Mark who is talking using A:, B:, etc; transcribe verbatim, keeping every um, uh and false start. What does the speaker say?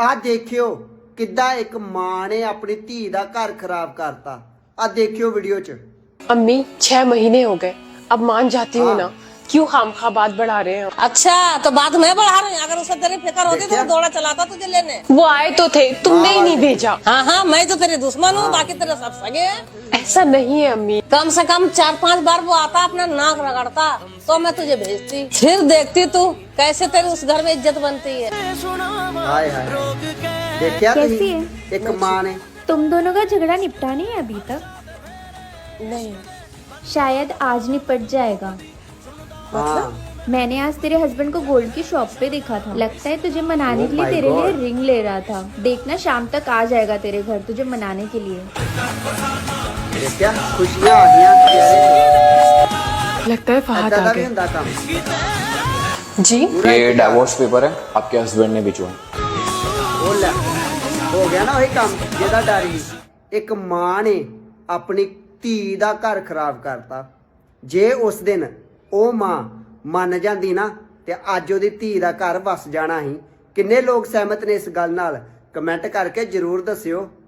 A: आ देखियो किद्दां एक मां ने अपनी धी दा घर खराब करता। आ देखियो वीडियो च।
B: अम्मी छह महीने हो गए, अब मान जाती हूँ ना, क्यों खामखा बात बढ़ा रहे हैं।
C: अच्छा तो बात मैं बढ़ा रही हूँ, अगर उसे तेरी फिक्र होती तो दौड़ा चलाता तुझे लेने।
B: वो आए तो थे, तुमने ही नहीं भेजा।
C: हाँ हाँ मैं तो तेरे दुश्मन हूँ, बाकी तेरे सब सगे हैं।
B: ऐसा नहीं है अम्मी।
C: कम से कम चार पांच बार वो आता, अपना नाक रगड़ता, तो मैं तुझे भेजती, फिर देखती तू कैसे तेरी उस घर में इज्जत बनती है।
A: हाय हाय देखिया
D: कैसी है?
A: एक मां ने।
D: तुम दोनों का झगड़ा निपटा नहीं है अभी तक?
B: नहीं।
D: शायद आज निपट जाएगा।
A: हाँ
D: मैंने आज तेरे हस्बैंड को गोल्ड की शॉप पे देखा था, लगता है तुझे मनाने
A: Oh
D: के लिए
A: my
D: तेरे लिए
A: God.
D: रिंग ले रहा था। देखना शाम तक आ जाएगा तेरे घर तुझे मनाने के लिए।
A: देखिया खुशियां आ गईयां चेहरे
B: लगता है
A: पे।
B: फहद
A: ऐसा
B: आ
A: भी
B: गए।
A: हुंदा काम।
B: जी
A: पूरा
E: ये
A: एक
E: डाइवोर्स पेपर है, आपके हस्बैंड ने भिजवाया।
A: वो ले हो गया ना वही काम जेदा डर ही। एक मां ने अपनी धी दा घर खराब करता। जे उस दिन ਉਹ ਮਾਂ ਮੰਨ ਜਾਂਦੀ ਨਾ ਤੇ ਅੱਜ ਉਹਦੀ ਧੀ ਦਾ ਘਰ ਵਸ ਜਾਣਾ ਸੀ। ਕਿੰਨੇ ਲੋਕ ਸਹਿਮਤ ਨੇ ਇਸ ਗੱਲ ਨਾਲ? ਕਮੈਂਟ ਕਰਕੇ ਜਰੂਰ ਦੱਸਿਓ।